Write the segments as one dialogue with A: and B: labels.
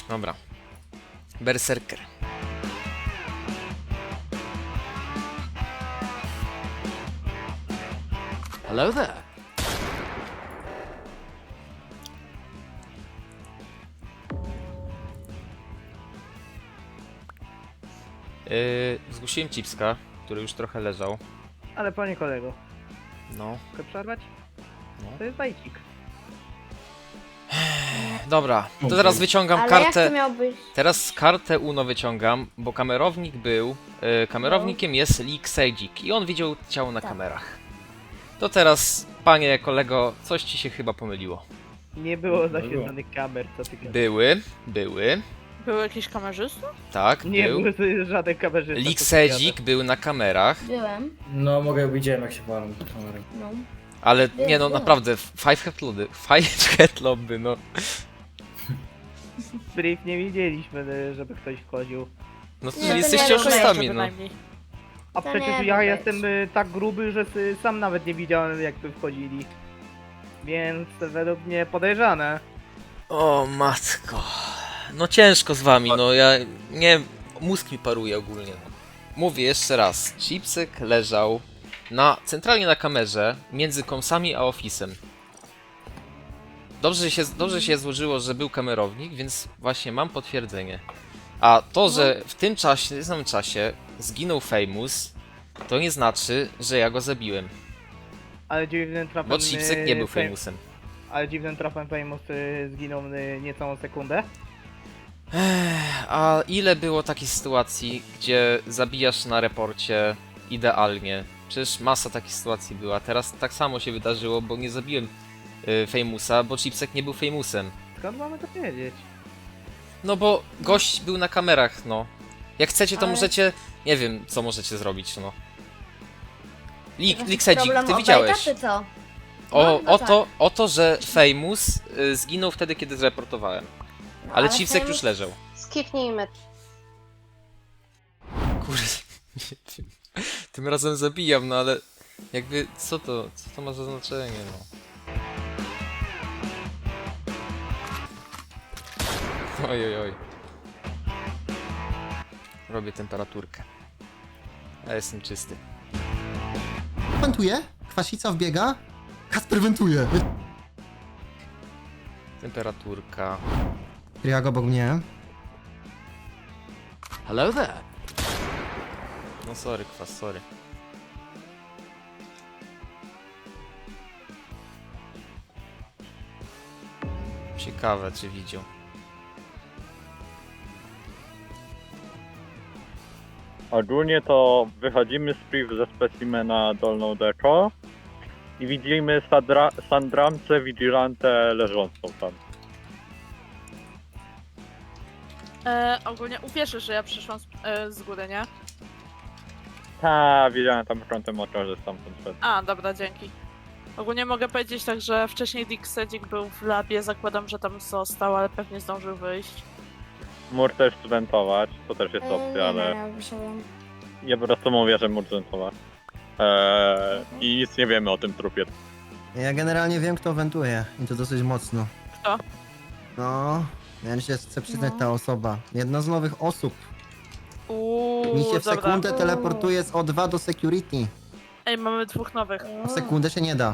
A: Dobra. Berserker.
B: Hello there.
A: Zgłosiłem Cipska, który już trochę leżał.
C: Ale panie kolego,
A: No.
C: chcę przerwać?
A: No.
C: To jest bajcik.
A: Dobra, to teraz wyciągam
D: Ale jak
A: kartę.
D: to miał być?
A: Teraz kartę UNO wyciągam, bo kamerownik był. Kamerownikiem jest Lee Sedzik i on widział ciało na
D: Tak.
A: kamerach. To teraz, panie kolego, coś ci się chyba pomyliło.
C: Nie było zaświetlonych kamer, co ty gadasz.
A: Były.
E: Był jakiś kamerzysta?
A: Tak,
C: Nie
A: był.
C: było żaden kamerzysta.
A: Lee
C: co ty
A: Sedzik był na kamerach,
D: Byłem,
F: No widziałem jak się walą do kamery.
D: no.
A: ale nie no,
D: Było.
A: naprawdę, Five Head Lobby, no.
C: gadasz. Brief nie widzieliśmy, żeby ktoś wchodził.
A: No to
D: Nie, to
A: jesteście
D: nie
A: oszustami,
E: Jeszcze
A: no.
E: bynajmniej.
C: A
D: To
C: przecież
D: nie
C: ja
D: być.
C: jestem tak gruby, że sam nawet nie widziałem jakby wchodzili. Więc według mnie podejrzane.
A: O matko. No ciężko z wami, no ja nie. Mózg mi paruje ogólnie. No. Mówię jeszcze raz. Chipsek leżał centralnie na kamerze między komsami a ofisem. Dobrze się złożyło, że był kamerownik, więc właśnie mam potwierdzenie. A to, że w tym samym czasie zginął Famous, to nie znaczy, że ja go zabiłem.
C: Ale dziwnym trafem...
A: Bo Chipsek nie był
C: Fam-
A: Famousem.
C: Ale dziwnym trafem Famous zginął niecałą sekundę.
A: A ile było takich sytuacji, gdzie zabijasz na reporcie idealnie? Przecież masa takich sytuacji była. Teraz tak samo się wydarzyło, bo nie zabiłem Famousa, bo Chipsek nie był Famousem.
C: Skąd mamy to wiedzieć?
A: No bo gość był na kamerach, no. Jak chcecie, to
D: Ale-
A: możecie... Nie wiem, co możecie zrobić, no.
D: Jakiś
A: Liksedzik,
D: problem
A: ty
D: o
A: widziałeś.
D: Bejta, czy co?
A: O,
D: No tak.
A: o to, że Famous zginął wtedy, kiedy zreportowałem.
D: No,
A: Ale Chipsek
D: Famous-
A: już leżał.
G: Skipnijmy.
A: Kurde, nie wiem. Tym razem zabijam, no ale jakby co to ma za znaczenie, no. Oj, oj, oj. Robię temperaturkę. Ja jestem czysty.
H: Wentuje, kwasica wbiega, Kasper wentuje.
A: Temperaturka.
H: Kriag obok mnie.
B: Hello there.
A: No sorry, kwas, sorry. Ciekawe, czy widział.
I: Ogólnie to wychodzimy z priv ze specimena dolną deko i widzimy Sandramce Vigilante leżącą tam.
E: Ogólnie uwierzysz, że ja przyszłam z góry, nie?
I: Ta, widziałem tam kątem oka, że stamtąd szedł.
E: A, dobra, dzięki. Ogólnie mogę powiedzieć tak, że wcześniej Dick Sedzik był w labie, zakładam, że tam został, ale pewnie zdążył wyjść.
I: Mógł też zwentować, to też jest opcja, ale
D: Nie, wyszedłem.
I: ja po prostu mówię, że mógł zwentować. I nic nie wiemy o tym trupie.
H: Ja generalnie wiem, kto wentuje i to dosyć mocno.
E: Kto?
H: No, ja się chcę przyznać ta osoba. Jedna z nowych osób. Mi się w
E: dobra.
H: sekundę teleportuje z O2 do security.
E: Ej, mamy dwóch nowych.
H: W sekundę się nie da.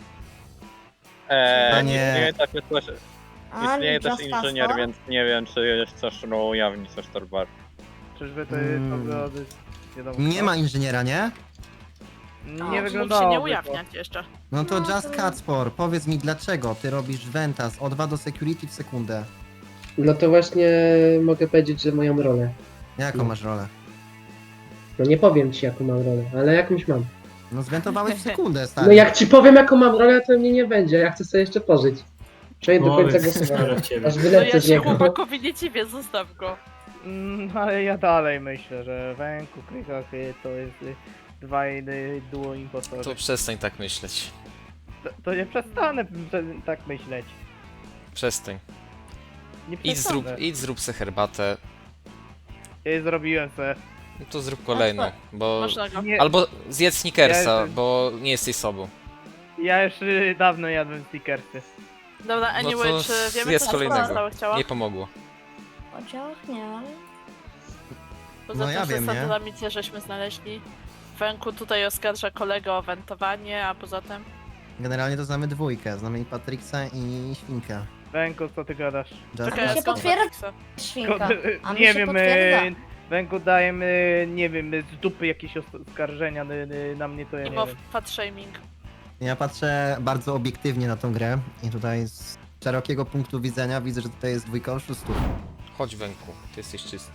I: Nie.
H: Nie.
I: Istnieje też, istnieje też
D: Just
I: inżynier,
D: Fast,
I: więc nie wiem, czy chcesz go ujawnić coś Torbar.
C: Czyżby to jest wiadomo
H: Nie
C: kto?
H: ma inżyniera, nie?
C: Nie
E: Mógł
C: wyglądało.
E: się nie ujawniać jeszcze.
H: No to
D: No
H: Just
D: to-
H: Catspor, powiedz mi dlaczego ty robisz Venta z O2 do security w sekundę?
J: No to właśnie mogę powiedzieć, że moją rolę.
H: Jaką masz rolę?
J: No nie powiem ci jaką mam rolę, ale jakąś mam.
H: No zwentowałeś w sekundę, stary.
J: No jak ci powiem jaką mam rolę, to mnie nie będzie, ja chcę sobie jeszcze pożyć. Przejdę do końca głosowania,
F: w ciebie.
J: aż
E: No
J: wylecę
E: ja
J: z
E: się
J: niego.
E: chłopakowi nie dziwię, zostaw go.
C: Ale ja dalej myślę, że Węku, Krykach to jest duo impostorzy.
A: To przestań tak myśleć.
C: To nie przestanę tak myśleć.
A: Przestań.
C: Nie
A: Idź
C: przestanę.
A: zrób se herbatę.
C: Ja zrobiłem se.
A: No to zrób kolejną, bo...
E: Można go.
C: Nie,
A: Albo zjedz Snickersa,
C: Ja jestem-
A: bo nie jesteś sobą.
C: ja już dawno jadłem stickersy.
E: Dobra,
A: No
E: anyway,
A: to
E: czy wiemy
A: zjedz
E: co
A: kolejnego.
E: zostało chciała?
A: Nie pomogło.
D: oddziałach nie, ale...
E: Poza
H: No
E: tym,
H: ja
E: że
H: wiem, nie?
E: satelamicę żeśmy znaleźli. Węku tutaj oskarża kolegę o wentowanie, a poza tym...
H: Generalnie to znamy dwójkę. Znamy i Patrixa i Świnkę.
C: Węku, co ty gadasz?
H: Just
D: mi się
E: skąd
D: potwierdza.
E: Patricksa?
D: Świnka. A mi
C: Nie
D: się
C: wiem,
D: potwierdza.
C: Węku dajemy, nie wiem, z dupy jakieś oskarżenia na mnie, to ja nie
E: Mimo
C: wiem.
E: fat shaming.
H: Ja patrzę bardzo obiektywnie na tą grę i tutaj z szerokiego punktu widzenia widzę, że tutaj jest dwójka oszustów.
A: Chodź Węku, ty jesteś czysty.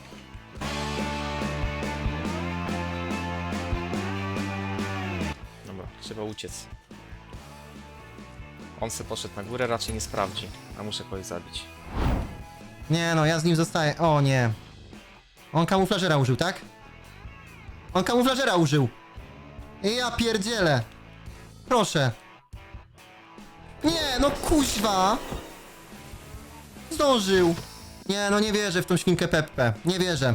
A: Dobra, trzeba uciec. On se poszedł na górę, raczej nie sprawdzi, a muszę kogoś zabić.
H: Nie no, ja z nim zostaję. O nie. On kamuflażera użył, tak? On kamuflażera użył. Ja pierdzielę. Proszę. Nie, no kuźwa. Zdążył. Nie, no nie wierzę w tą świnkę Peppę. Nie wierzę.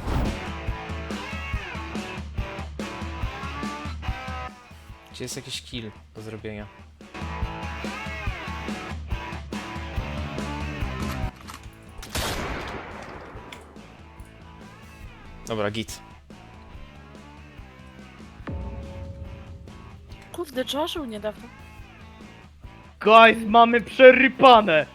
A: Gdzie jest jakiś kill do zrobienia? Dobra, git.
E: Kurde, Joshua niedawno.
C: Guys, mamy przerypane!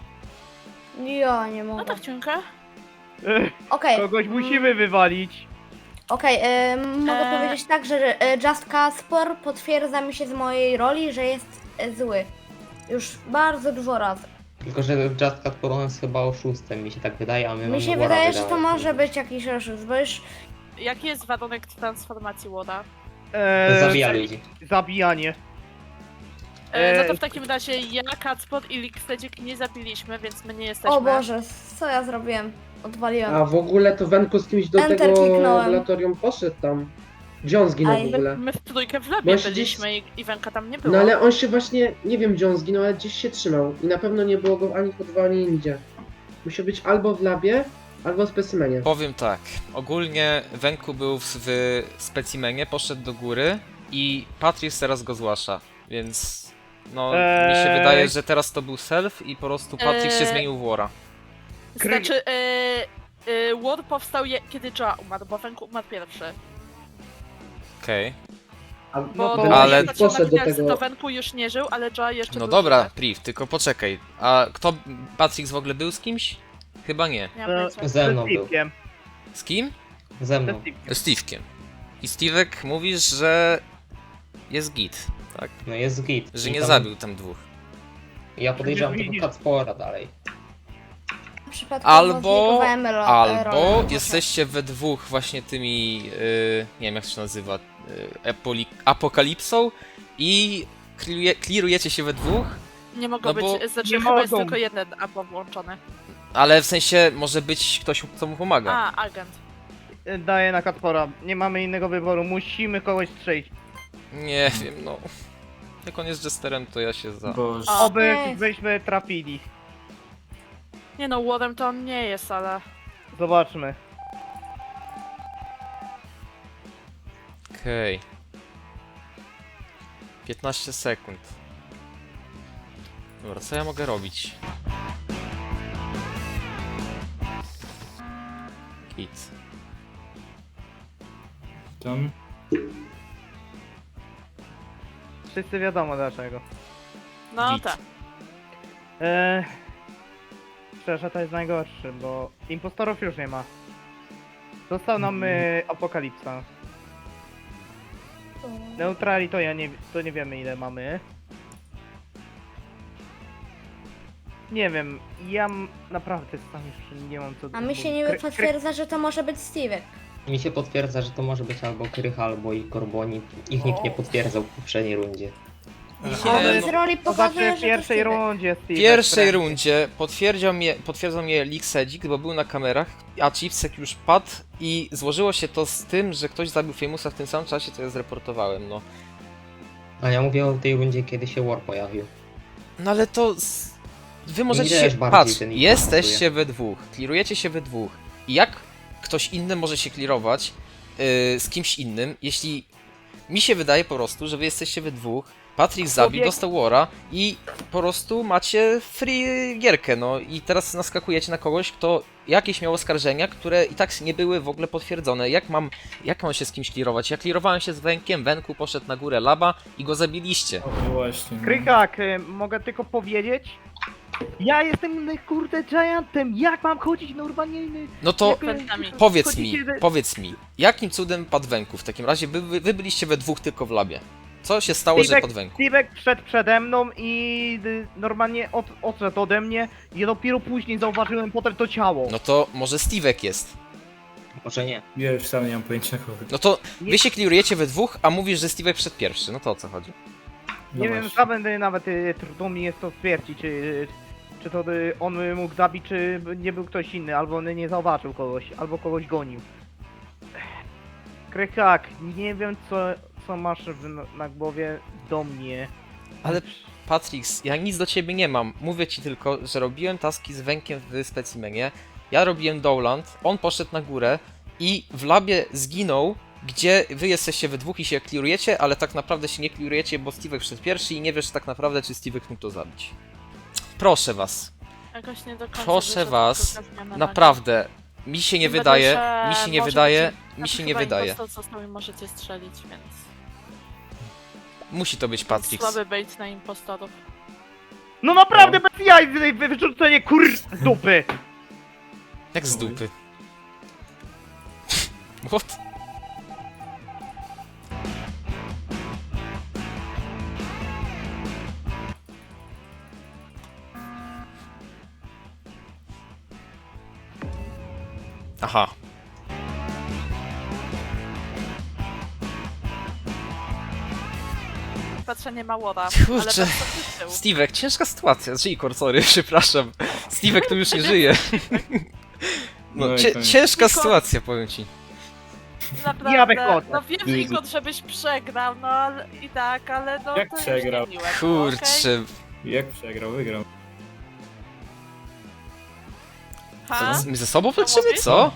D: Ja nie
E: No
D: mogę.
E: tak, ciunkę.
D: Okej,
C: Kogoś musimy wywalić.
D: okej, mogę
E: Eee.
D: powiedzieć tak, że Just Caspor potwierdza mi się z mojej roli, że jest zły. Już bardzo dużo razy.
B: Tylko, że Just Cat jest chyba oszustem, mi się tak wydaje, a my mamy
D: Mi się
B: Wora
D: wydaje, że to
B: wydać.
D: może być jakiś oszust, bo już...
E: Jaki jest warunek transformacji Łoda?
B: Zabija ludzi.
C: Zabijanie.
E: No to w takim razie ja, Kacpot i Likstedzik nie zabiliśmy, więc my nie jesteśmy.
D: O Boże, co ja zrobiłem? Odwaliłem.
J: A w ogóle to Wenku z kimś do
D: Enter
J: tego
D: kliknąłem.
J: laboratorium poszedł tam. Gdzie on zginął
D: Aj.
J: w ogóle?
E: My w trójkę w labie
J: Masz
E: byliśmy i Wenka tam nie było.
J: No ale on się właśnie, nie wiem gdzie on zginął, ale gdzieś się trzymał. I na pewno nie było go ani w O2, ani nigdzie. Musi być albo w labie, albo w specimenie.
A: Powiem tak, ogólnie Węku był w specimenie, poszedł do góry i Patrice teraz go zgłasza, więc no mi się wydaje, że teraz to był self i po prostu Patrick się zmienił w Wora.
E: Znaczy, War powstał kiedy Joa umarł, bo Wenku umarł pierwszy.
A: Okej.
J: A,
E: Bo
J: to
E: to
A: ale-
J: ale
E: poszedł
J: poszedł do
E: na
J: tego.
E: to Wenku już nie żył, ale Joa jeszcze
A: No
E: był
A: dobra,
E: żywy.
A: Priv, tylko poczekaj, a kto, Patrick w ogóle był z kimś? Chyba nie.
E: Nie mam pojęcia.
B: Ze mną był.
C: Steve'kiem.
A: Z kim?
B: Ze
C: Ze
B: mną.
C: Steve'kiem.
A: Steve'kiem. I Steve'ek mówisz, że jest git, tak?
B: No jest git.
A: Że
B: I
A: nie
B: tam-
A: zabił tam dwóch.
B: Ja podejrzewam
C: Nie
B: tego
C: widzisz.
B: Catspora dalej.
D: Przypadkowo zlikowałem rolę.
A: Albo jesteście we dwóch właśnie tymi, nie wiem jak to się nazywa, apokalipsą i clearujecie się we dwóch,
E: Nie mogą
A: no bo
E: być, znaczy
C: nie
E: chyba jest
C: mogą.
E: tylko jeden APO włączony.
A: ale w sensie może być ktoś, kto mu pomaga.
E: A, agent.
C: Daję na Katpora. Nie mamy innego wyboru. Musimy kogoś strzelić.
A: Nie wiem, no. Jak on jest jesterem, to ja się za...
F: Boże.
E: A,
C: Oby
D: Ej.
C: byśmy trafili.
E: nie no, Warem to on nie jest, ale...
C: Zobaczmy.
A: Okej. 15 sekund. Dobra, co ja mogę robić? Git.
F: Tam.
C: Wszyscy wiadomo dlaczego.
E: No
A: Git.
E: tak.
C: Szczerze to jest najgorszy, bo impostorów już nie ma. Został nam Apokalipsa. Neutrali to nie wiemy ile mamy. Nie wiem, naprawdę sam już nie mam co...
D: A mi się niby potwierdza, że to może być Steve'ek.
B: Mi się potwierdza, że to może być albo Krycha, albo i Korboni. Ich nikt nie potwierdzał w poprzedniej rundzie.
D: Ale
A: no.
D: z roli
C: To
D: pokazuje,
C: znaczy w
D: że
C: pierwszej
D: to Steve'ek.
C: rundzie Steve.
A: W pierwszej rundzie potwierdzał mnie Liksedzik, bo był na kamerach, a Chipsek już padł i złożyło się to z tym, że ktoś zabił Famousa w tym samym czasie, co ja zreportowałem, no.
B: A ja mówię o tej rundzie, kiedy się War pojawił.
A: No ale to... Wy możecie
B: Widać
A: się...
B: bardziej
A: Patrz,
B: ten
A: jesteście we dwóch, clearujecie się we dwóch. I jak ktoś inny może się clearować z kimś innym, jeśli... Mi się wydaje po prostu, że wy jesteście we dwóch, Patrick zabił, dostał Wara i po prostu macie free gierkę, no i teraz naskakujecie na kogoś, kto jakieś miał oskarżenia, które i tak nie były w ogóle potwierdzone. Jak mam się z kimś clearować? Ja clearowałem się z Wenkiem, Wenku poszedł na górę laba i go zabiliście.
F: No właśnie. no.
C: Krykak, mogę tylko powiedzieć? Ja jestem, kurde, giantem, jak mam chodzić normalnie?
A: No to
C: jak,
E: Pętami.
A: powiedz mi, jakim cudem padł Wenku w takim razie? Wy byliście we dwóch tylko w labie. Co się stało, że padł Wenku?
C: Steve'ek wszedł przede mną i normalnie odszedł ode mnie i dopiero później zauważyłem potem to ciało.
A: No to może Steve'ek jest.
B: Może nie.
F: Ja już sam nie mam pojęcia kogo.
A: No to wy się clearujecie we dwóch, a mówisz, że Steve'ek wszedł pierwszy. No to o co chodzi?
F: No
C: Nie wiem,
F: właśnie.
C: sam będę nawet trudno mi jest to stwierdzić, czy to on mógł zabić, czy nie był ktoś inny, albo on nie zauważył kogoś, albo kogoś gonił. Krykak, nie wiem co masz na głowie do mnie.
A: Ale Patrix, ja nic do ciebie nie mam. Mówię ci tylko, że robiłem taski z Wenkiem w specimenie. Ja robiłem Dowland, on poszedł na górę i w labie zginął, gdzie wy jesteście we dwóch i się clearujecie, ale tak naprawdę się nie clearujecie, bo Steve'ek wszedł pierwszy i nie wiesz tak naprawdę, czy Steve'ek mógł to zabić. Proszę was,
E: Jakoś nie do końca
A: proszę
E: wyszedł
A: was,
E: tylko zmiana
A: naprawdę, mi się nie
E: nagle.
A: wydaje,
E: Chyba,
A: mi
E: że
A: się nie
E: może
A: wydaje,
E: być-
A: mi się
E: znaczy
A: nie
E: chyba
A: wydaje.
E: impostor został i możecie strzelić, więc...
A: Musi to być Patrix.
E: Słaby bait na impostorów.
C: No naprawdę bez jaj, wyrzucenie z dupy!
A: Jak z dupy. What? Aha.
E: Patrzenie Małora,
A: Kurczę.
E: ale bez tyłu.
A: Steve'ek, ciężka sytuacja. Jikor, sorry, przepraszam. Steve'ek tu już nie żyje. No,
F: No i koniec.
A: ciężka
E: Igor.
A: sytuacja, powiem ci.
E: Naprawdę,
C: Ja wychodzę.
E: no wiem, Igor, żebyś przegrał, no ale i tak, ale no
F: Jak
E: to
F: przegrał?
E: już nie miłe, było, okej?
A: Kurczę.
F: Jak przegrał, wygrał.
E: Ha?
A: My ze sobą
E: Co
A: walczymy,
E: mówisz?
A: co?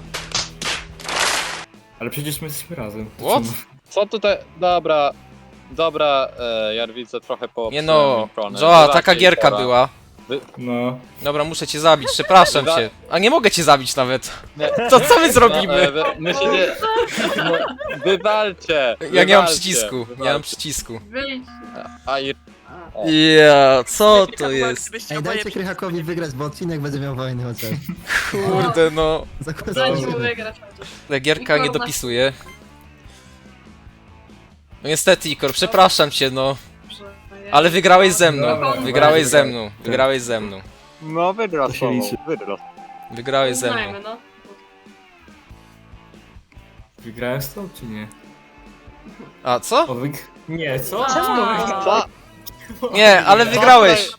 F: Ale przecież my jesteśmy razem. To
A: What?
F: co?
I: Co tutaj... Dobra, Jarwice trochę po...
A: Nie no, Joa, taka gierka była.
F: No.
A: Dobra, muszę cię zabić, przepraszam cię. A nie mogę cię zabić nawet. To co my zrobimy?
I: My się nie... No, wywalcie!
A: Ja nie mam
I: wywalcie,
A: przycisku, nie mam
I: wywalcie.
A: przycisku.
I: A i...
A: Ja, co
E: Kilka
A: to
E: była,
A: jest?
E: gdybyście
H: Ej,
E: oboje
H: dajcie Krychakowi wygrać, bo odcinek będzie miał wojny chociaż.
A: Kurde no.
H: Zagłosujmy.
A: Ta gierka nie dopisuje. No niestety, Ikor, przepraszam cię, no. Ale wygrałeś ze mną,
F: Dobra,
A: wygrałeś
F: dobra.
A: ze mną, wygrałeś ze mną.
I: No wydrasował,
F: liczy.
A: Wygrałeś ze mną.
F: Wygrałem z tą, czy nie?
A: A co?
F: Nie, co?
I: Co?
A: Nie, ale wygrałeś.